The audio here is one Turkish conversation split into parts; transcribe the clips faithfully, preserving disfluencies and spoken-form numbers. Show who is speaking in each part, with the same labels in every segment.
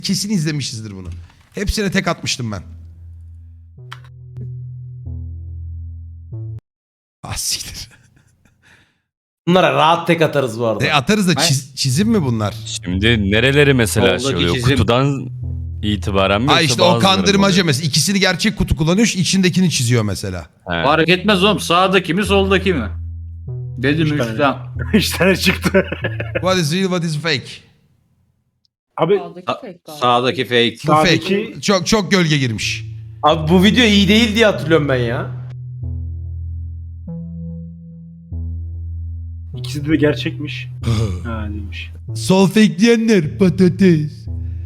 Speaker 1: Kesin izlemişizdir bunu. Hepsine tek atmıştım ben. Ah siktir.
Speaker 2: Bunlara rahat tek atarız bu arada.
Speaker 1: E atarız da çiz- çizim mi bunlar?
Speaker 3: Şimdi nereleri mesela şey
Speaker 4: Soldaki
Speaker 3: oluyor?
Speaker 4: çizim.
Speaker 3: Kutudan itibaren mi?
Speaker 1: Ha
Speaker 3: yoksa
Speaker 1: işte o
Speaker 3: bazıları mı
Speaker 1: kandırmaca
Speaker 3: oluyor?
Speaker 1: mesela. İkisini gerçek kutu kullanıyor, içindekini çiziyor mesela.
Speaker 3: He.
Speaker 4: Fark etmez oğlum. Sağdaki mi soldaki mi? Dedim
Speaker 5: Üç tane.
Speaker 4: üstten.
Speaker 5: Üç tane çıktı.
Speaker 1: What is real, what is fake?
Speaker 5: Abi
Speaker 6: Sağdaki
Speaker 4: Sa-
Speaker 6: fake galiba.
Speaker 4: Sağdaki fake.
Speaker 1: Bu fake.
Speaker 5: Sağdaki-
Speaker 1: Çok çok gölge girmiş.
Speaker 2: Abi bu video iyi değil diye hatırlıyorum ben ya.
Speaker 5: ikisi de gerçekmiş. Ha demiş.
Speaker 1: Sol fake diyenler patates.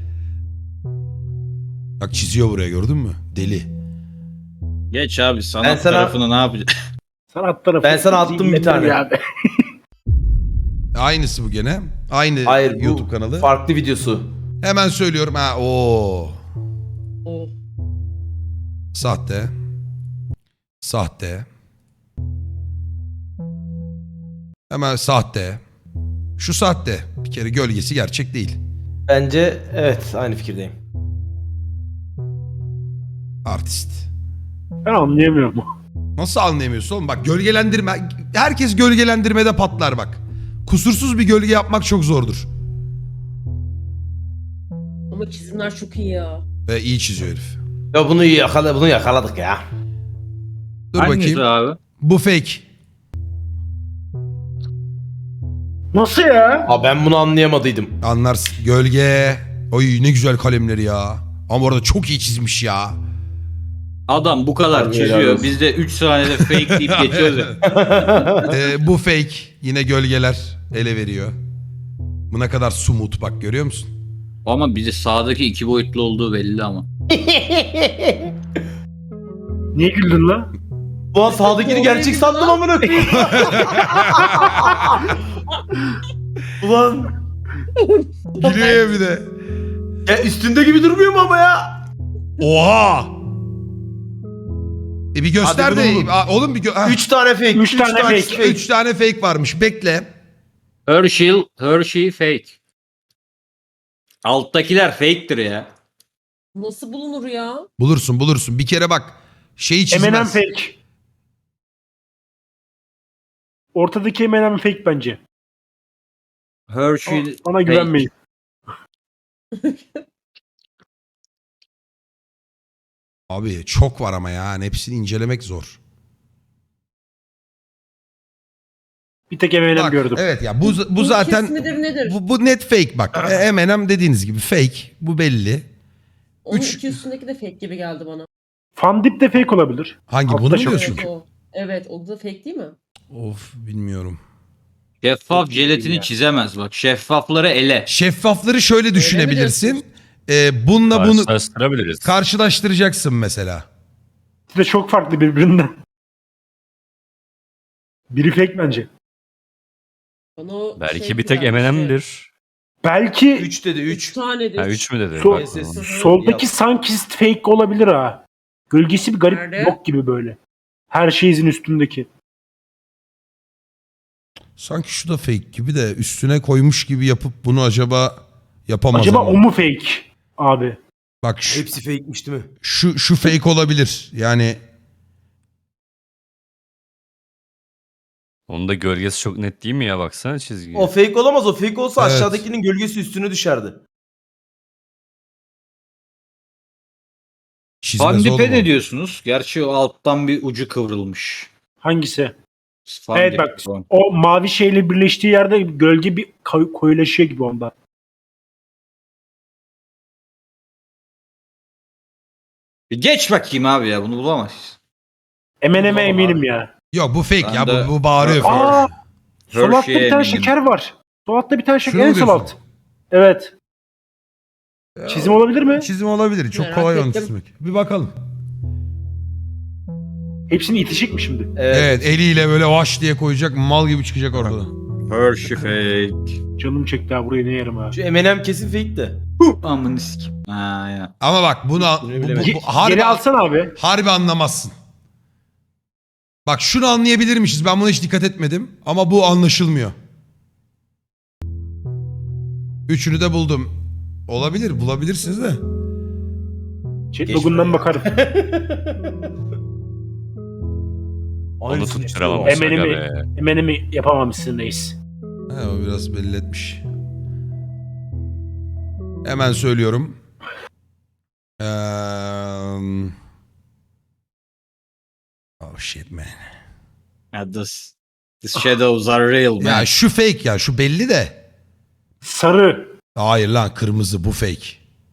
Speaker 1: Bak çiziyor buraya, gördün mü? Deli.
Speaker 4: Geç abi sanat
Speaker 2: Ben sana-
Speaker 4: tarafını ne yapacaksın?
Speaker 5: Sanat tarafı.
Speaker 2: Ben sana attım bir tane.
Speaker 5: Abi.
Speaker 1: Aynısı bu gene. Aynı
Speaker 2: Hayır bu
Speaker 1: YouTube kanalı.
Speaker 2: farklı videosu.
Speaker 1: Hemen söylüyorum. Ha o.
Speaker 6: Oh.
Speaker 1: Sahte. Sahte. Hemen sahte. Şu sahte. Bir kere gölgesi gerçek değil.
Speaker 2: Bence evet aynı fikirdeyim.
Speaker 1: Artist.
Speaker 5: Ben anlayamıyorum.
Speaker 1: Nasıl anlayamıyorsun oğlum? Bak gölgelendirme. Herkes gölgelendirmede patlar bak. Kusursuz bir gölge yapmak çok zordur.
Speaker 6: Ama çizimler çok iyi ya.
Speaker 1: Ve iyi çiziyor herif.
Speaker 2: Ya bunu yakala bunu yakaladık ya.
Speaker 1: Dur
Speaker 4: Hangisi
Speaker 1: bakayım.
Speaker 4: abi?
Speaker 1: Bu fake.
Speaker 5: Nasıl ya?
Speaker 2: Aa ben bunu anlayamadıydım.
Speaker 1: Anlarsın. Gölge. Oy ne güzel kalemleri ya. Ama orada çok iyi çizmiş ya.
Speaker 4: Adam bu kadar
Speaker 2: Harbi helal
Speaker 4: çiziyor.
Speaker 2: olsun.
Speaker 4: Biz de üç saniyede fake deyip geçiyoruz ya.
Speaker 1: Ee, bu fake. Yine gölgeler ele veriyor. Bu ne kadar sumut bak, görüyor musun?
Speaker 4: Ama bize sağdaki iki boyutlu olduğu belli ama.
Speaker 5: Niye güldün lan?
Speaker 2: Ulan sağdakini gerçek sandım amına koyayım. Ulan
Speaker 1: Gülüyor ya bir de.
Speaker 2: ya üstünde gibi durmuyor mu ama ya?
Speaker 1: Oha! E bir göster
Speaker 2: Hadi
Speaker 1: de.
Speaker 2: bunu bulun.
Speaker 1: Aa, oğlum bir gö- ha.
Speaker 2: Üç tane fake.
Speaker 5: Üç tane fake.
Speaker 1: Üç tane fake varmış. Bekle.
Speaker 4: Hershey, Hershey fake. Alttakiler fake'tir ya.
Speaker 6: Nasıl bulunur ya?
Speaker 1: Bulursun bulursun. Bir kere bak. Şeyi çizmez.
Speaker 5: M and M fake. Ortadaki M and M fake bence.
Speaker 4: Hershey
Speaker 5: Bana
Speaker 4: fake.
Speaker 5: güvenmeyin.
Speaker 1: Abi çok var ama ya. Hani hepsini incelemek zor.
Speaker 5: Bir tek M and M
Speaker 1: Bak,
Speaker 5: gördüm.
Speaker 1: evet ya bu bu
Speaker 6: Bu
Speaker 1: zaten
Speaker 6: kes midir nedir?
Speaker 1: bu, bu net fake bak. E, M and M dediğiniz gibi fake. Bu belli.
Speaker 6: Onun
Speaker 1: üç-
Speaker 6: iki üstündeki de fake gibi geldi bana.
Speaker 5: Fandip de fake olabilir.
Speaker 1: Hangi
Speaker 5: Altta
Speaker 1: bunu mu
Speaker 5: çok
Speaker 1: diyorsun?
Speaker 6: Evet o. Evet o da fake değil mi?
Speaker 1: Of bilmiyorum.
Speaker 4: Şeffaf
Speaker 5: Çok iyi
Speaker 4: jelatini
Speaker 5: ya.
Speaker 4: çizemez bak. Şeffafları ele.
Speaker 1: Şeffafları şöyle
Speaker 6: mi
Speaker 1: düşünebilirsin.
Speaker 6: diyorsun?
Speaker 1: Ee, bununla bunu
Speaker 3: Karşılaştırabiliriz.
Speaker 1: karşılaştıracaksın mesela.
Speaker 5: İkisi de çok farklı birbirinden. Biri fake bence.
Speaker 6: Bana o
Speaker 3: Belki
Speaker 6: şey
Speaker 3: bir tek
Speaker 6: gelmişti.
Speaker 3: M and M'dir.
Speaker 5: Belki
Speaker 2: Üç dedi
Speaker 6: Üç
Speaker 2: üç.
Speaker 6: tanedir.
Speaker 3: Ha üç mü dedi?
Speaker 5: Sol-
Speaker 3: Bak,
Speaker 2: Ses-
Speaker 3: tamam.
Speaker 5: soldaki sanki fake olabilir ha. Gölgesi bir garip
Speaker 6: Nerede?
Speaker 5: yok gibi böyle. Her şeyin üstündeki.
Speaker 1: Sanki şu da fake gibi de üstüne koymuş gibi yapıp bunu acaba yapamaz
Speaker 5: Acaba
Speaker 1: ama.
Speaker 5: o mu fake abi?
Speaker 1: Bak şu,
Speaker 2: Hepsi fake'miş değil mi?
Speaker 1: şu, şu fake olabilir. Yani
Speaker 3: Onun da gölgesi çok net değil mi ya, baksana çizgi.
Speaker 2: O fake olamaz. O fake olsa
Speaker 1: Evet.
Speaker 2: aşağıdakinin gölgesi üstüne düşerdi.
Speaker 1: çizmez oğlum
Speaker 4: Fandip'e
Speaker 1: o.
Speaker 4: ne diyorsunuz? Gerçi o alttan bir ucu kıvrılmış.
Speaker 5: Hangisi?
Speaker 4: Fandip.
Speaker 5: Evet bak o mavi şeyle birleştiği yerde gölge bir koy- koyulaşıyor gibi onda.
Speaker 4: Bir geç bakayım abi ya, bunu bulamayız.
Speaker 5: M and M'e
Speaker 4: Bulamam
Speaker 5: eminim
Speaker 4: abi.
Speaker 5: ya.
Speaker 1: Yok bu fake
Speaker 4: Ben
Speaker 1: ya,
Speaker 4: de-
Speaker 1: bu, bu bağırıyor. fake.
Speaker 5: Aa! Sol altta
Speaker 4: Hershey'e
Speaker 5: bir tane
Speaker 4: eminim.
Speaker 5: şeker var. Sol altta bir tane
Speaker 1: Şunu
Speaker 5: şeker
Speaker 1: mu
Speaker 5: en sol
Speaker 1: diyorsun?
Speaker 5: alt. Evet. Çizim olabilir mi?
Speaker 1: Çizim olabilir. Çok
Speaker 6: Merak
Speaker 1: kolay onu
Speaker 6: ettim.
Speaker 1: çizmek. Bir bakalım.
Speaker 5: Hepsini itişik mi şimdi?
Speaker 2: Evet.
Speaker 1: Evet, eliyle böyle vaş diye koyacak, mal gibi çıkacak ortada.
Speaker 4: Hershey fake.
Speaker 5: Canım çekti ha burayı ne yerim ha.
Speaker 2: Şu M and M kesin fake de.
Speaker 4: Amını sikim. Ha ya.
Speaker 1: Ama bak bunu, bu, bu,
Speaker 2: bilemedim.
Speaker 1: bu- harbi,
Speaker 5: Geri alsana abi.
Speaker 1: harbi anlamazsın. Bak şunu anlayabilirmişiz. Ben buna hiç dikkat etmedim. Ama bu anlaşılmıyor. Üçünü de buldum. Olabilir, bulabilirsiniz de.
Speaker 5: Chat
Speaker 2: Geç
Speaker 5: logundan
Speaker 2: buraya.
Speaker 5: bakarım.
Speaker 3: Onu
Speaker 2: Aynısını
Speaker 3: tutturamamış
Speaker 5: Hemen
Speaker 3: aga
Speaker 5: hemen.
Speaker 3: be.
Speaker 5: Hemen hemen yapamamışsın reis.
Speaker 1: Ha, o biraz belli etmiş. Hemen söylüyorum. Eee... Oh shit man.
Speaker 4: Yeah, this, these shadows are real man.
Speaker 1: Ya şu fake ya, şu belli de.
Speaker 5: Sarı.
Speaker 1: Hayır lan, kırmızı, bu fake.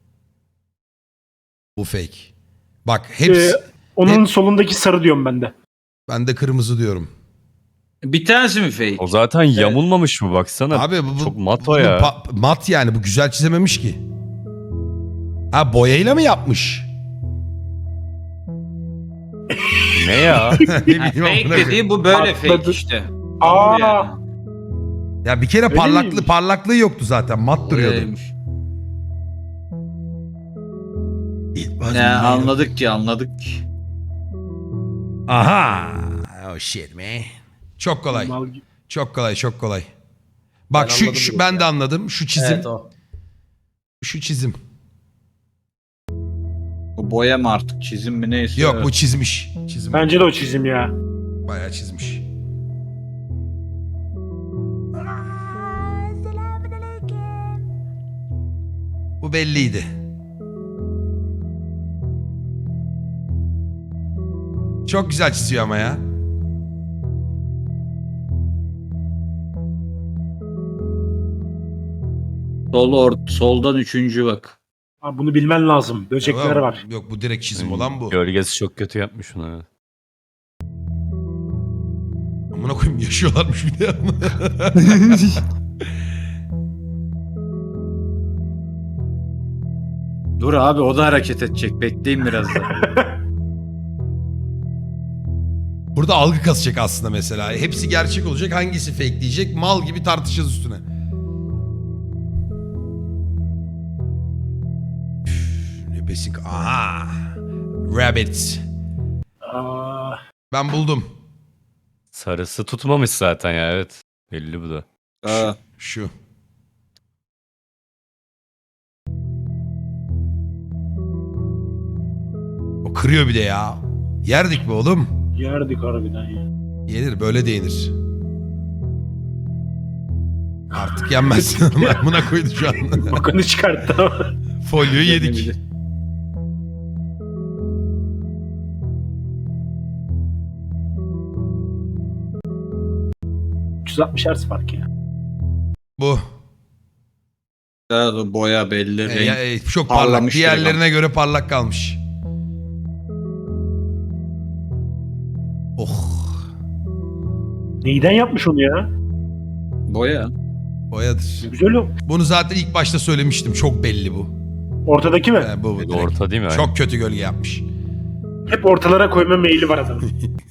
Speaker 1: Bu fake. Bak hepsi...
Speaker 5: Ee, onun
Speaker 1: hep-
Speaker 5: solundaki sarı diyorum ben de.
Speaker 1: Ben de kırmızı diyorum.
Speaker 4: Bir tanesi mi fake?
Speaker 3: O zaten yamulmamış mı baksana.
Speaker 1: Abi bu, bu
Speaker 3: çok mat
Speaker 1: bu
Speaker 3: o ya.
Speaker 1: pa- mat yani, bu güzel çizememiş ki. Ha, boyayla mı yapmış?
Speaker 3: Ne ya?
Speaker 1: Ne
Speaker 4: Ha,
Speaker 1: bileyim,
Speaker 4: fake
Speaker 1: amına koyayım.
Speaker 4: dediği bu böyle
Speaker 5: Atladı.
Speaker 4: fake işte.
Speaker 5: Aa.
Speaker 4: Yani.
Speaker 1: Ya bir kere
Speaker 5: Öyle
Speaker 1: parlaklığı
Speaker 5: miymiş?
Speaker 1: parlaklığı yoktu zaten. Mat duruyordu.
Speaker 4: Öyleymiş. Ne anladık ki anladık ki.
Speaker 1: Aha. Oh shit man. Çok kolay.
Speaker 5: Mal gibi.
Speaker 1: Çok kolay, çok kolay. Bak
Speaker 2: Ben
Speaker 1: şu,
Speaker 2: anladım
Speaker 1: şu
Speaker 2: bunu
Speaker 1: ben
Speaker 2: ya.
Speaker 1: de anladım. Şu çizim.
Speaker 2: Evet o.
Speaker 1: Şu çizim.
Speaker 4: Bu boya mı artık çizim mi neyse.
Speaker 1: Yok,
Speaker 4: evet.
Speaker 1: bu çizmiş. Çizim.
Speaker 5: Bence de o çizim ya.
Speaker 1: Bayağı çizmiş. Bu belliydi. Çok güzel çiziyor ama ya.
Speaker 4: Sol or soldan üçüncü bak.
Speaker 5: Abi bunu bilmen lazım. Böcekler
Speaker 1: Tamam.
Speaker 5: var.
Speaker 1: Yok, bu direkt çizim olan bu.
Speaker 3: Gölgesi çok kötü yapmış onu. evet.
Speaker 1: Amına koyayım, yaşıyorlarmış bir de.
Speaker 4: Dur abi o da hareket edecek. Bekleyin biraz da.
Speaker 1: Burada algı kasacak aslında mesela. Hepsi gerçek olacak. Hangisi fake diyecek. Mal gibi tartışacağız üstüne. Üf, ne besin... Aha. Rabbit.
Speaker 5: Aa,
Speaker 1: Ben buldum.
Speaker 3: Sarısı tutmamış zaten ya, evet. Belli bu da.
Speaker 4: Aa,
Speaker 1: Şu. O kırıyor bir de ya. Yerdik mi oğlum?
Speaker 5: yerdik harbiden ya.
Speaker 1: Yenir, böyle de yenir. Artık yenmez. Buna koydu şu an.
Speaker 5: Bakanı çıkarttı ama.
Speaker 1: Folyoyu yedik.
Speaker 5: üç yüz altmış hertz fark ya.
Speaker 1: Bu.
Speaker 4: daha da boya belli.
Speaker 1: E,
Speaker 4: renk.
Speaker 1: ya, e, çok parlak.
Speaker 4: parlamış
Speaker 1: Diğerlerine göre parlak kalmış. Oh.
Speaker 5: Neyden yapmış onu ya?
Speaker 4: Boya.
Speaker 1: Boyadır.
Speaker 5: Ne güzel o.
Speaker 1: Bunu zaten ilk başta söylemiştim. Çok belli bu.
Speaker 5: Ortadaki mi?
Speaker 1: E, bu, bu
Speaker 3: Bir de
Speaker 1: direkt.
Speaker 3: orta değil mi?
Speaker 1: Çok kötü gölge yapmış.
Speaker 5: Hep ortalara koyma meyli var adamın.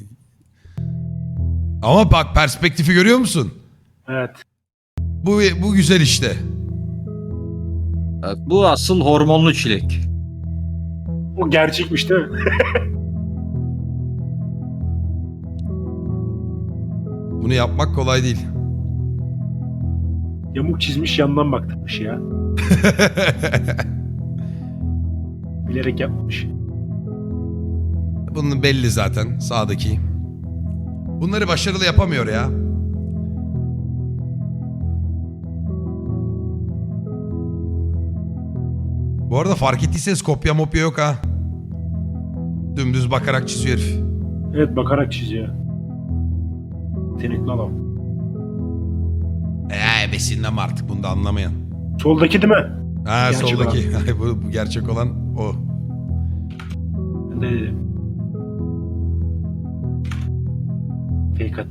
Speaker 1: Ama bak, perspektifi görüyor musun?
Speaker 5: Evet.
Speaker 1: Bu bu güzel işte.
Speaker 4: Evet, bu asıl hormonlu çilek.
Speaker 5: O gerçekmiş değil mi?
Speaker 1: Bunu yapmak kolay değil.
Speaker 5: Yamuk çizmiş yandan baktırmış ya. Bilerek yapmamış.
Speaker 1: Bunun belli zaten sağdaki. Bunları başarılı yapamıyor ya. Bu arada fark ettiyseniz kopya mopya yok ha. Dümdüz bakarak çiziyor herif.
Speaker 5: Evet, bakarak çiziyor. Yetenekli adam.
Speaker 1: Eee besinlem artık, bunu da anlamayan.
Speaker 5: Soldaki değil mi?
Speaker 1: Ha,
Speaker 5: Gerçek
Speaker 1: soldaki. bu, bu gerçek olan o.
Speaker 5: Ben de dedim. Fake at.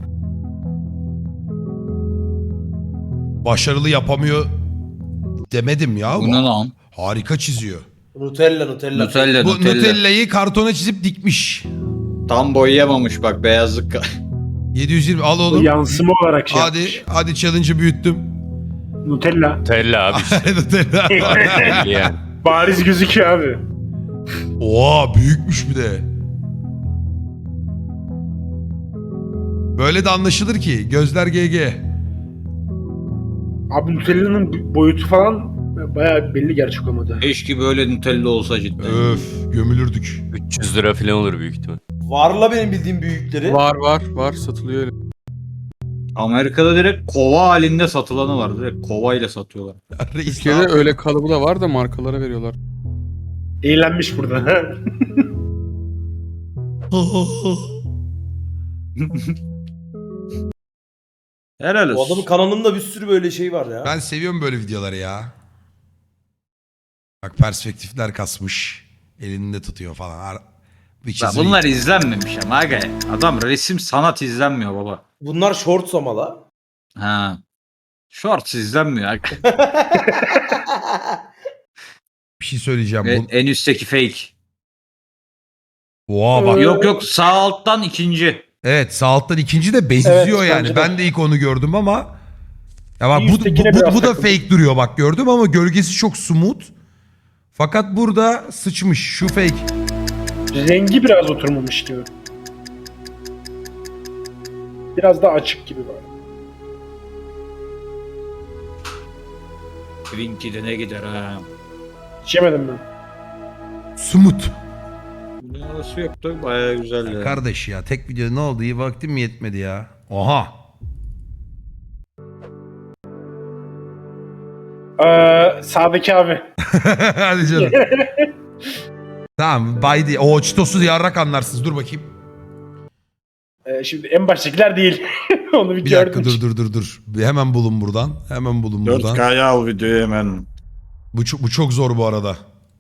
Speaker 1: Başarılı yapamıyor demedim ya.
Speaker 4: Bu ne lan?
Speaker 1: Harika çiziyor.
Speaker 2: Nutella Nutella.
Speaker 4: Nutella,
Speaker 1: Bu
Speaker 4: Nutella.
Speaker 1: Nutella'yı kartona çizip dikmiş.
Speaker 4: Tam boyayamamış bak beyazlık.
Speaker 1: yedi yüz yirmi al
Speaker 5: O
Speaker 1: oğlum.
Speaker 5: yansıma olarak şey
Speaker 1: Hadi
Speaker 5: yapmış.
Speaker 1: hadi challenge'ı büyüttüm.
Speaker 5: Nutella.
Speaker 3: Tella abi işte.
Speaker 1: Nutella.
Speaker 3: Belli yani.
Speaker 5: Bariz gözüküyor abi.
Speaker 1: Oha, büyükmüş bir de. Böyle de anlaşılır ki gözler G G.
Speaker 5: Abi Nutella'nın boyutu falan Bayağı belli gerçek olmadı.
Speaker 4: Keşke böyle Nutella olsa cidden.
Speaker 1: Öf gömülürdük.
Speaker 3: üç yüz lira falan olur büyük ihtimal.
Speaker 2: Varla benim bildiğim büyükleri.
Speaker 7: Var var var satılıyor öyle.
Speaker 4: Amerika'da direkt kova halinde satılanı var. Direkt kova ile satıyorlar.
Speaker 1: Ya reis ne
Speaker 7: Türkiye'de
Speaker 1: yapıyor?
Speaker 7: öyle kalıbı da var da markalara veriyorlar.
Speaker 5: Eğlenmiş burada.
Speaker 4: Helal
Speaker 2: Bu adamın
Speaker 4: olsun.
Speaker 2: kanalında bir sürü böyle şey var ya.
Speaker 1: Ben seviyorum böyle videoları ya. Bak perspektifler kasmış. Elinde tutuyor falan. Ar- Bir
Speaker 4: Ya
Speaker 1: çizim-
Speaker 4: bunlar izlenmemiş ama aga. Adam resim sanat izlenmiyor baba.
Speaker 2: Bunlar shorts ama la.
Speaker 4: Ha. Shorts izlenmiyor aga.
Speaker 1: Bir şey söyleyeceğim.
Speaker 4: Ve
Speaker 1: Bu...
Speaker 4: en üstteki fake.
Speaker 1: Oha bak.
Speaker 4: Yok yok sağ alttan ikinci.
Speaker 1: Evet sağ alttan ikinci de benziyor
Speaker 5: Evet,
Speaker 1: yani.
Speaker 5: bence de.
Speaker 1: Ben de ilk onu gördüm ama. Ya bak
Speaker 5: Bir
Speaker 1: bu, bu,
Speaker 5: üsttekine
Speaker 1: bu,
Speaker 5: biraz
Speaker 1: bu da
Speaker 5: takıldım.
Speaker 1: fake duruyor bak gördüm ama gölgesi çok smooth. Fakat burada sıçmış şu fake.
Speaker 5: Rengi biraz oturmamış gibi. Biraz daha açık gibi var.
Speaker 4: Twinkie ne gider ha.
Speaker 5: Hiç yemedim ben.
Speaker 1: Smooth.
Speaker 4: Nasıl yoktu? Bayağı güzel ya.
Speaker 1: Kardeş ya tek video ne oldu iyi vaktim mi yetmedi ya. Oha.
Speaker 5: Ee, sağdaki abi.
Speaker 1: Hadi canım. Tamam bay değil. O çitosu yarrak anlarsınız dur bakayım.
Speaker 5: Ee, şimdi en baştakiler değil. Onu bir,
Speaker 1: Bir dakika
Speaker 5: gördüm.
Speaker 1: dur dur dur dur. Bir hemen bulun buradan. Hemen bulun buradan.
Speaker 4: dört K'ya al videoyu hemen.
Speaker 1: Bu çok, bu çok zor bu arada.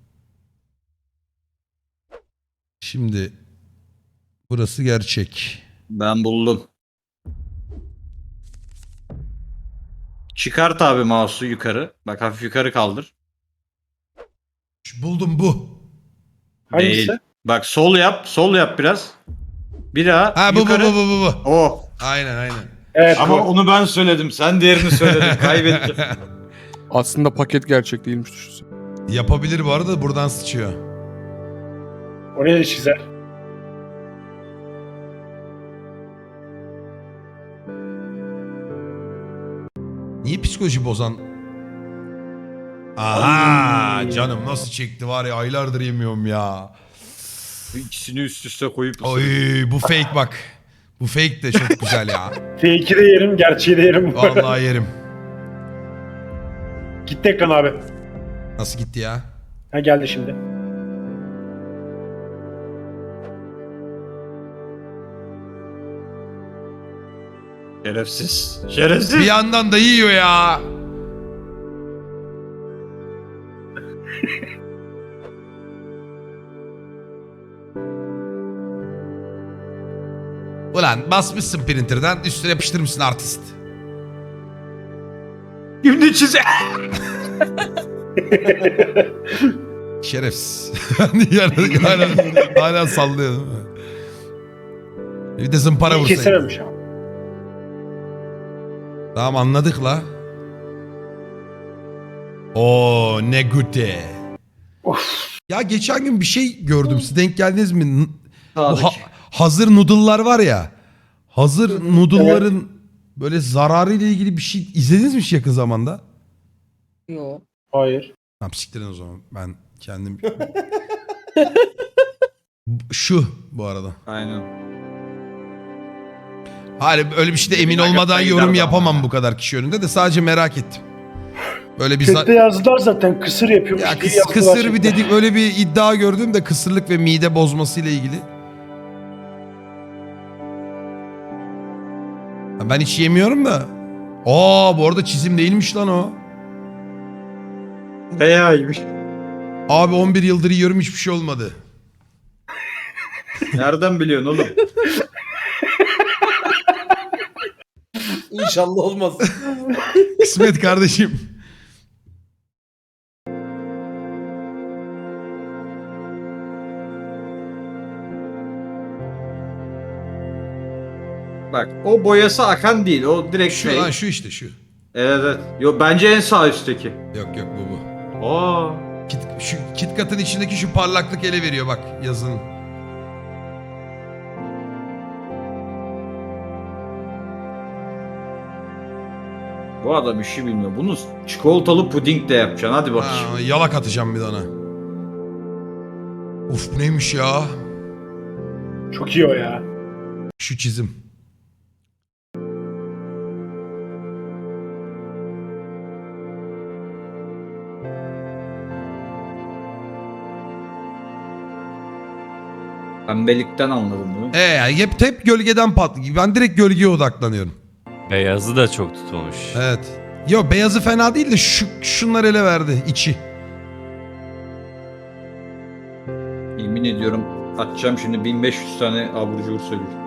Speaker 1: Şimdi burası gerçek.
Speaker 4: Ben buldum. Çıkart abi mouse'u yukarı. Bak hafif yukarı kaldır.
Speaker 1: Şu- Buldum bu.
Speaker 5: Hangisi?
Speaker 4: Değil. Bak sol yap. Sol yap biraz. Bir daha
Speaker 1: Ha bu bu
Speaker 4: yukarı.
Speaker 1: bu bu bu. bu.
Speaker 4: O.
Speaker 1: Aynen aynen.
Speaker 5: Evet.
Speaker 4: Ama
Speaker 5: bu.
Speaker 4: onu ben söyledim. Sen diğerini söyledin. Kaybettin.
Speaker 7: Aslında paket gerçek değilmiş düşünsene.
Speaker 1: Yapabilir bu arada buradan sıçıyor.
Speaker 5: Oraya da çizer.
Speaker 1: Niye psikoloji bozan? Aha canım nasıl çekti var ya aylardır yemiyorum ya.
Speaker 4: İkisini üst üste koyup
Speaker 1: Oy bu fake bak. Bu fake de çok güzel ya.
Speaker 5: Fake'i de yerim, gerçeği de yerim.
Speaker 1: Vallahi yerim.
Speaker 5: Gitti ekran abi.
Speaker 1: Nasıl gitti ya?
Speaker 5: Ha geldi şimdi.
Speaker 4: Şerefsiz. Şerefsiz.
Speaker 1: Bir yandan da yiyor ya. Ulan basmışsın printer'dan üstüne yapıştırmışsın artist.
Speaker 4: Şimdi çize.
Speaker 1: Şerefsiz. Yani hala, hala sallıyor değil mi? Bir de zımpara
Speaker 5: İyi
Speaker 1: vursaydın.
Speaker 5: kesememiş abi.
Speaker 1: Tamam anladık la. Oo ne güte.
Speaker 5: Of.
Speaker 1: Ya geçen gün bir şey gördüm. Siz denk geldiniz mi? N- Bu
Speaker 2: Sağdaki.
Speaker 1: ha- hazır noodle'lar var ya. Hazır noodle'ların böyle zararı ile ilgili bir şey izlediniz mi hiç yakın zamanda?
Speaker 6: Yo.
Speaker 5: Hayır.
Speaker 1: Tamam siktirin o zaman. Ben kendim... Şu bu arada.
Speaker 4: Aynen.
Speaker 1: Hayır öyle bir şeyde emin
Speaker 4: Merak
Speaker 1: olmadan
Speaker 4: etmeyin
Speaker 1: yorum
Speaker 4: derdim
Speaker 1: yapamam
Speaker 4: ama.
Speaker 1: bu kadar kişi önünde de sadece merak ettim. Böyle bir za-
Speaker 5: Chatte yazdılar zaten kısır yapıyormuş
Speaker 1: ya
Speaker 5: diye
Speaker 1: kıs-
Speaker 5: yazdılar
Speaker 1: kısır bir
Speaker 5: chatte.
Speaker 1: dedik öyle bir iddia gördüm de kısırlık ve mide bozması ile ilgili. Ya ben hiç yemiyorum da. Aa bu arada çizim değilmiş lan o.
Speaker 4: Beyaymış.
Speaker 1: Abi on bir yıldır yiyorum hiçbir şey olmadı.
Speaker 4: Nereden biliyorsun oğlum?
Speaker 2: İnşallah olmaz.
Speaker 1: Kısmet kardeşim.
Speaker 4: Bak o boyası akan değil. O direkt
Speaker 1: Şu
Speaker 4: şey.
Speaker 1: lan şu işte şu.
Speaker 4: Evet evet. Yo bence en sağ üstteki.
Speaker 1: Yok yok bu bu.
Speaker 4: Aa.
Speaker 1: Kit, şu KitKat'ın içindeki şu parlaklık ele veriyor bak yazının.
Speaker 4: Bu Bu adam işi bilmiyor. Bunu çikolatalı puding de yapacaksın. Hadi bakayım.
Speaker 1: Ha, yalak atacağım bir tane. Uf bu neymiş ya?
Speaker 5: Çok iyi o ya.
Speaker 1: Şu çizim.
Speaker 4: Pembelikten anladım değil mi?
Speaker 1: E hep hep gölgeden pat. Ben direkt gölgeye odaklanıyorum.
Speaker 3: Beyazı da çok tutmamış.
Speaker 1: Evet. Yo beyazı fena değil de şu şunlar ele verdi içi.
Speaker 4: Yemin ediyorum atacağım şimdi bin beş yüz tane abur cubur söylüyorum.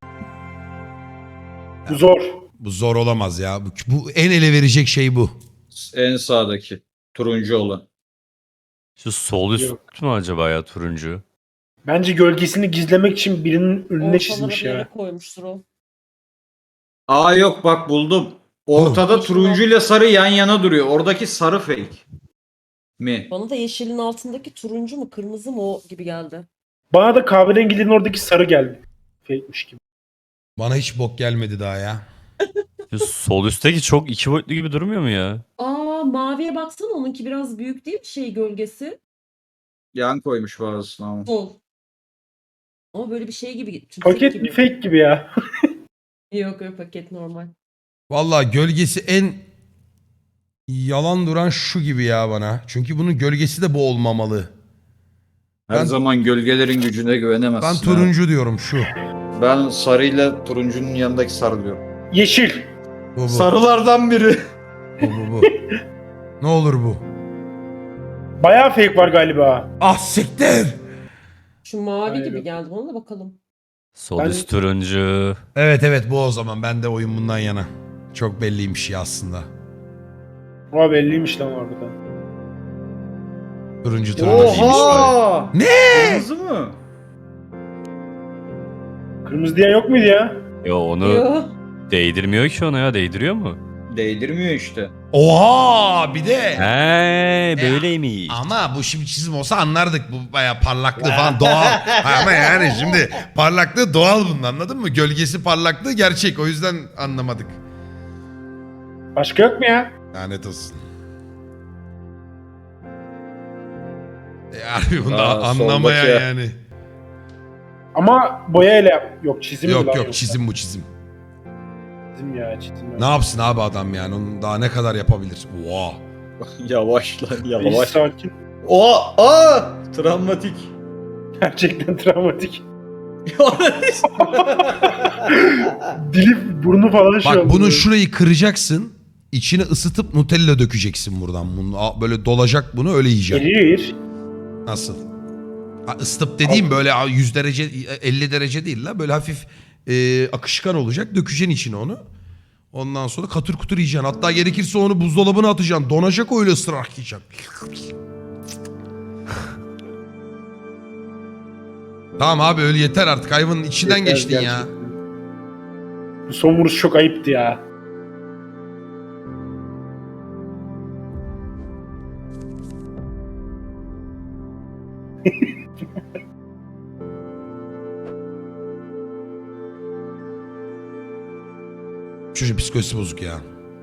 Speaker 5: Bu zor.
Speaker 1: Bu zor olamaz ya. Bu, bu en ele verecek şey bu.
Speaker 4: En sağdaki turuncu olan.
Speaker 3: Şu sol üst
Speaker 5: Yok.
Speaker 3: mü acaba ya turuncu?
Speaker 5: Bence gölgesini gizlemek için birinin önüne
Speaker 6: Ortalara
Speaker 5: çizmiş
Speaker 6: bir yere
Speaker 5: ya.
Speaker 6: koymuştur o.
Speaker 4: Aa yok bak buldum. Ortada
Speaker 6: Oh.
Speaker 4: turuncuyla sarı yan yana duruyor. Oradaki sarı fake. Mi?
Speaker 6: Bana da yeşilin altındaki turuncu mu kırmızı mı o gibi geldi.
Speaker 5: Bana da kahverengilerin oradaki sarı geldi. Fake'miş gibi.
Speaker 1: Bana hiç bok gelmedi daha ya.
Speaker 3: Şu sol üstteki çok iki boyutlu gibi durmuyor mu ya?
Speaker 6: Aa maviye baksana onunki biraz büyük değil mi şey gölgesi?
Speaker 4: Yan koymuş bazısına ama.
Speaker 6: Sol. Ama böyle bir şey gibi. tümsek
Speaker 5: Paket
Speaker 6: gibi.
Speaker 5: bir fake gibi ya.
Speaker 6: Yok yok paket normal.
Speaker 1: Vallahi gölgesi en yalan duran şu gibi ya bana. Çünkü bunun gölgesi de bu olmamalı.
Speaker 4: Her
Speaker 1: Ben-
Speaker 4: zaman gölgelerin gücüne güvenemezsin.
Speaker 1: Ben
Speaker 4: ha.
Speaker 1: turuncu diyorum şu.
Speaker 4: Ben sarıyla turuncunun yanındaki sarı diyorum.
Speaker 5: Yeşil.
Speaker 1: Bu bu.
Speaker 4: Sarılardan biri.
Speaker 1: Bu bu bu. Ne olur bu.
Speaker 5: Bayağı fake var galiba.
Speaker 1: Ah siktir.
Speaker 6: Şu mavi
Speaker 5: Hayır,
Speaker 6: gibi
Speaker 5: yok.
Speaker 6: geldi bana da bakalım.
Speaker 3: Sol
Speaker 5: Ben-
Speaker 3: üst turuncu.
Speaker 1: Evet evet bu o zaman. Ben de oyun bundan yana. Çok belliymiş ya aslında.
Speaker 5: Ama belliymiş lan orada.
Speaker 1: Turuncu turuncu.
Speaker 4: Oha!
Speaker 1: Ne?
Speaker 4: Kırmızı mı?
Speaker 5: Kırmızı diye yok muydu ya?
Speaker 3: Yo onu
Speaker 6: Yo.
Speaker 3: değdirmiyor ki ona ya. Değdiriyor mu?
Speaker 4: Değdirmiyor işte.
Speaker 1: Oha bir de.
Speaker 3: He böyleymiş.
Speaker 1: Ama bu şimdi çizim olsa anlardık. Bu bayağı parlaklığı falan doğal. Ama yani şimdi parlaklığı doğal bunun anladın mı? Gölgesi parlaklığı gerçek. O yüzden anlamadık.
Speaker 5: Başka yok mu ya?
Speaker 1: Lanet olsun. E, harbi bunu
Speaker 4: Aa,
Speaker 1: anlamaya
Speaker 4: soldaki-
Speaker 1: yani.
Speaker 5: Ama boyayla yap. Yok çizim mi
Speaker 1: Yok
Speaker 5: lan
Speaker 1: yok
Speaker 5: yoksa?
Speaker 1: çizim bu çizim.
Speaker 5: Çizim ya çizim. ya.
Speaker 1: Ne yapsın abi adam yani? Onun daha ne kadar yapabilir? Oha.
Speaker 4: Yavaş lan
Speaker 5: Reis
Speaker 4: yavaş.
Speaker 5: sakin.
Speaker 4: O aa travmatik.
Speaker 5: Gerçekten travmatik. Dili burnu falan şey
Speaker 1: Bak
Speaker 5: oldu.
Speaker 1: bunun
Speaker 5: böyle.
Speaker 1: şurayı kıracaksın. İçine ısıtıp Nutella dökeceksin buradan. Bunu a- böyle dolacak bunu öyle yiyeceksin.
Speaker 5: Erir.
Speaker 1: Nasıl? Ha, ısıtıp dediğim böyle a, yüz derece elli derece değil la. Böyle hafif e, akışkan olacak. Dökeceksin içine onu. Ondan sonra katır kutur yiyeceksin. Hatta gerekirse onu buzdolabına atacaksın. Donacak öyle ısırarak yiyeceksin. Tamam abi öyle yeter artık. Hayvanın içinden
Speaker 5: Yeter
Speaker 1: geçtin ya.
Speaker 5: gerçekten. Bu son vuruş çok ayıptı ya.
Speaker 1: Çocuk psikolojisi bozuk ya.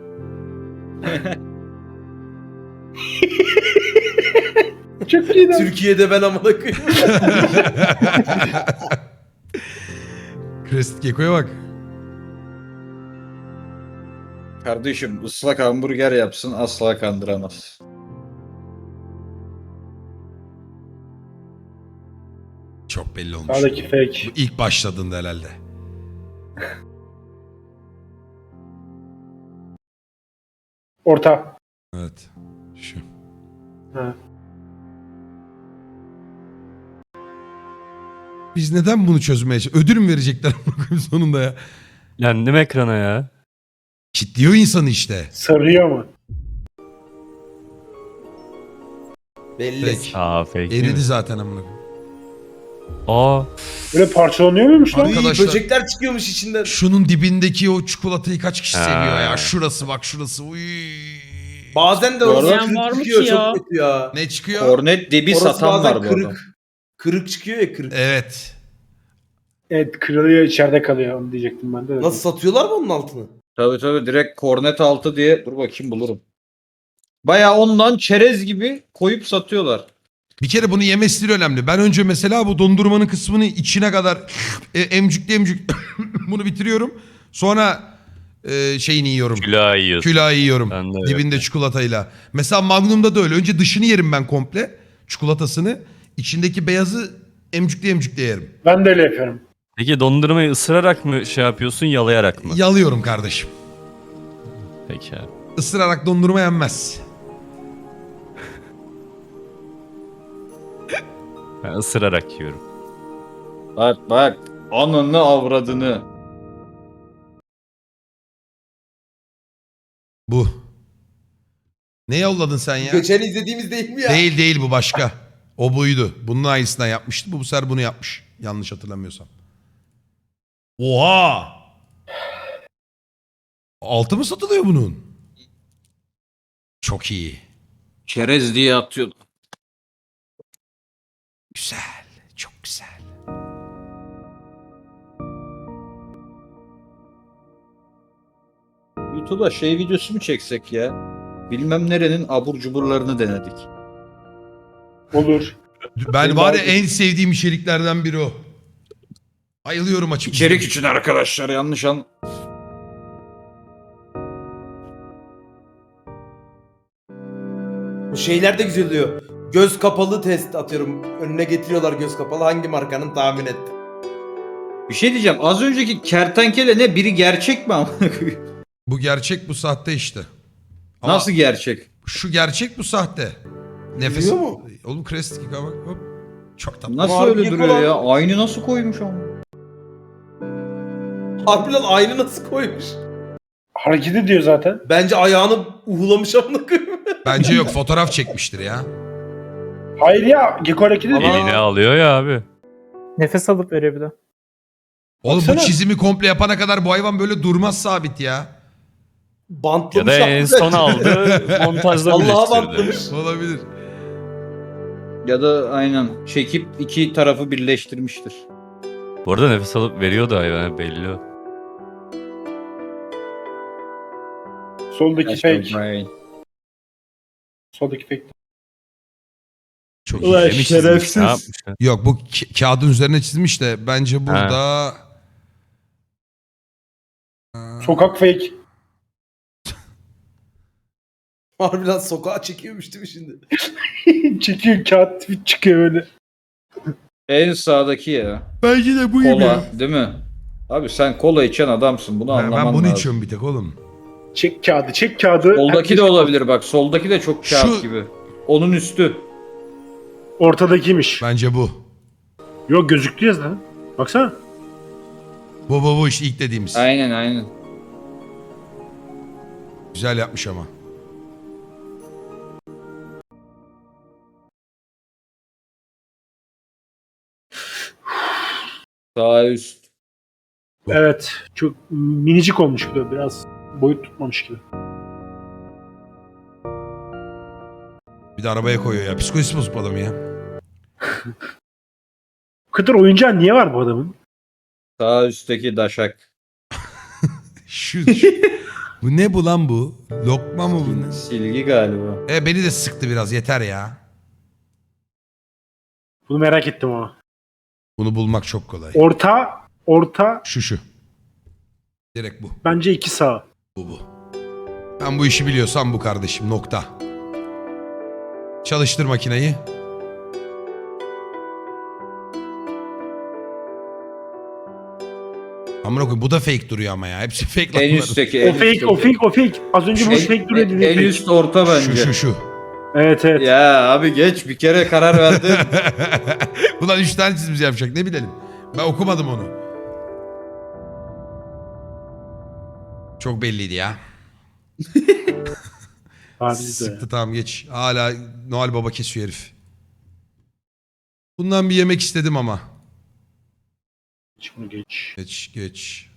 Speaker 5: Çok iyi lan.
Speaker 2: Türkiye'de ben amına koyayım.
Speaker 1: Crested Gecko'ya bak.
Speaker 4: Kardeşim ıslak hamburger yapsın asla kandıramaz.
Speaker 1: Çok belli olmuş.
Speaker 5: Sağdaki fake.
Speaker 1: Bu ilk başladığında herhalde.
Speaker 5: Orta.
Speaker 1: Evet. Şu.
Speaker 5: Ha.
Speaker 1: Biz neden bunu çözmeye çalışıyoruz? Ödül mü verecekler sonunda ya?
Speaker 3: Yendim ekrana ya.
Speaker 1: Kitliyor insanı işte.
Speaker 5: Sarıyor mu?
Speaker 2: Belli.
Speaker 1: Peki.
Speaker 3: Aa fake
Speaker 1: Eridi
Speaker 3: değil mi?
Speaker 1: zaten amına koyayım.
Speaker 3: Aa
Speaker 5: Böyle parçalanıyor muymuş lan?
Speaker 1: Abi- Arkadaşlar-
Speaker 2: Böcekler çıkıyormuş içinden.
Speaker 1: Şunun dibindeki o çikolatayı kaç kişi
Speaker 3: Ha.
Speaker 1: seviyor ya? Şurası bak şurası. Uy.
Speaker 2: Bazen de
Speaker 4: Bu
Speaker 2: orası
Speaker 4: arada-
Speaker 2: kırık
Speaker 6: var mı
Speaker 2: çıkıyor
Speaker 6: ki ya?
Speaker 2: çok kötü ya.
Speaker 1: Ne çıkıyor?
Speaker 4: Kornet dibi
Speaker 2: Orası
Speaker 4: satan
Speaker 2: bazen
Speaker 4: var bu
Speaker 2: kırık.
Speaker 4: adam.
Speaker 2: Kırık çıkıyor ya kırık.
Speaker 1: Evet.
Speaker 5: Evet kırılıyor içeride kalıyor onu diyecektim ben de.
Speaker 2: Nasıl satıyorlar mı onun altını?
Speaker 4: Tabii tabii direkt kornet altı diye. Dur bakayım bulurum. Baya ondan çerez gibi koyup satıyorlar.
Speaker 1: Bir kere bunu yeme stili önemli. Ben önce mesela bu dondurmanın kısmını içine kadar e, emcükle emcük bunu bitiriyorum. Sonra e, şeyini yiyorum.
Speaker 3: Külahı yiyorsun.
Speaker 1: Külahı yiyorum.
Speaker 3: Ben de öyle.
Speaker 1: Dibinde çikolatayla. Mesela Magnum'da da öyle. Önce dışını yerim ben komple. Çikolatasını. İçindeki beyazı emcükle emcükle yerim.
Speaker 5: Ben de öyle yapıyorum.
Speaker 3: Peki dondurmayı ısırarak mı şey yapıyorsun, yalayarak mı?
Speaker 1: Yalıyorum kardeşim.
Speaker 3: Peki abi.
Speaker 1: Isırarak dondurma yenmez.
Speaker 3: Ben ısırarak yiyorum.
Speaker 4: Bak bak. Ananı avradını.
Speaker 1: Bu. Ne yolladın sen ya?
Speaker 2: Geçen izlediğimiz değil mi ya?
Speaker 1: Değil değil bu başka. O buydu. Bunun aynısından yapmıştı. Bu bu sefer bunu yapmış. Yanlış hatırlamıyorsam. Oha! Altı mı satılıyor bunun? Çok iyi.
Speaker 4: Çerez diye atıyor.
Speaker 1: Güzel. Çok güzel.
Speaker 4: YouTube'a şey videosu mu çeksek ya? Bilmem nerenin abur cuburlarını denedik.
Speaker 5: Olur.
Speaker 1: Ben var ya en sevdiğim içeriklerden biri o. Bayılıyorum açık.
Speaker 4: İçerik için arkadaşlar yanlış an.
Speaker 2: Bu şeyler de güzel oluyor. Göz kapalı test atıyorum. Önüne getiriyorlar göz kapalı. Hangi markanın tahmin et.
Speaker 4: Bir şey diyeceğim. Az önceki kertenkele ne? Biri gerçek mi amına koyayım?
Speaker 1: Bu gerçek, bu sahte işte. Ama
Speaker 4: Nasıl gerçek?
Speaker 1: şu gerçek, bu sahte. Nefes.
Speaker 2: Biliyor mu?
Speaker 1: Oğlum Crest bak hop. Çok tatlı.
Speaker 4: Nasıl
Speaker 2: Ama
Speaker 4: öyle
Speaker 2: harbi
Speaker 4: duruyor
Speaker 2: yapılan-
Speaker 4: ya? Aynı nasıl koymuş ama?
Speaker 2: Harbiden aynı nasıl koymuş?
Speaker 5: Hareket ediyor zaten.
Speaker 2: Bence ayağını uhulamış amına koyayım.
Speaker 1: Bence yok, fotoğraf çekmiştir ya.
Speaker 5: Hayır ya. Gecko hareket ediyor.
Speaker 3: Elini alıyor ya abi.
Speaker 8: Nefes alıp veriyor bir de.
Speaker 1: Oğlum
Speaker 5: Baksana.
Speaker 1: bu çizimi komple yapana kadar bu hayvan böyle durmaz sabit ya.
Speaker 3: Ya
Speaker 2: Bantlamış.
Speaker 3: da en
Speaker 2: hakikaten.
Speaker 3: son aldı, montajda
Speaker 2: Allah'a
Speaker 3: birleştirdi.
Speaker 2: bantlamış.
Speaker 1: Olabilir.
Speaker 4: Ya da aynen çekip iki tarafı birleştirmiştir.
Speaker 3: Bu arada nefes alıp veriyordu hayvan belli o.
Speaker 5: Soldaki fake.
Speaker 4: Brain.
Speaker 5: Soldaki fake.
Speaker 1: Çok
Speaker 2: Ulan
Speaker 1: iyi.
Speaker 3: Demiş çizmiş,
Speaker 2: şerefsiz.
Speaker 3: ne yapmış ya?
Speaker 1: Yok bu ka- kağıdın üzerine çizmiş de bence burada...
Speaker 5: Sokak fake.
Speaker 2: Harbiden sokağa çekiyormuş değil mi şimdi?
Speaker 5: Çekiyor kağıt tweet çıkıyor öyle.
Speaker 4: En sağdaki ya.
Speaker 1: Bence de bu gibi.
Speaker 4: Kola değil mi? Abi sen kola içen adamsın. Bunu
Speaker 1: Ben,
Speaker 4: anlaman
Speaker 1: ben bunu
Speaker 4: lazım.
Speaker 1: içiyorum bir tek oğlum.
Speaker 5: Çek kağıdı, çek kağıdı.
Speaker 4: Soldaki
Speaker 5: Herkes-
Speaker 4: de olabilir bak. Soldaki de çok kağıt
Speaker 1: Şu-
Speaker 4: gibi. Onun üstü.
Speaker 5: Ortadakiymiş.
Speaker 1: Bence bu.
Speaker 5: Yok gözüktü ya zaten. Baksana.
Speaker 1: Bu bu bu işte ilk dediğimiz.
Speaker 4: Aynen aynen.
Speaker 1: Güzel yapmış ama.
Speaker 4: Sağ üst.
Speaker 5: Evet. Çok minicik olmuş bir de biraz. Boyut tutmamış gibi.
Speaker 1: Bir de arabaya koyuyor ya. Psikolojisi bozuk bu adam ya.
Speaker 5: Bu kadar oyuncağı niye var bu adamın?
Speaker 4: Sağ üstteki daşak.
Speaker 1: Şu, şu- bu ne bu lan bu? Lokma mı bu ne?
Speaker 4: Silgi galiba.
Speaker 1: E beni de sıktı biraz yeter ya.
Speaker 5: Bunu merak ettim ama.
Speaker 1: Bunu bulmak çok kolay.
Speaker 5: Orta, orta
Speaker 1: Şu şu. Direkt bu.
Speaker 5: bence iki sağ.
Speaker 1: Bu bu. Ben bu işi biliyorsam bu kardeşim nokta. Çalıştır makineyi. Amına koyayım bu da fake duruyor ama ya. Hepsi fake lan
Speaker 4: En
Speaker 1: bunların.
Speaker 4: üstteki.
Speaker 5: O
Speaker 4: en
Speaker 5: fake,
Speaker 4: üstteki.
Speaker 5: o fake, o fake. Az önce bu
Speaker 4: En-
Speaker 5: fake duruyor
Speaker 4: en,
Speaker 5: dedi.
Speaker 4: en
Speaker 5: fake.
Speaker 4: üst orta bence.
Speaker 1: Şu şu şu.
Speaker 5: Evet evet.
Speaker 4: Ya abi geç bir kere karar verdin.
Speaker 1: Ulan üç tane çizimiz yapacak ne bilelim. Ben okumadım onu. Çok belliydi ya.
Speaker 5: Abi de.
Speaker 1: Sıktı tamam geç. Hala Noel Baba kesiyor herif. Bundan bir yemek istedim ama.
Speaker 5: Geç bunu geç.
Speaker 1: Geç geç.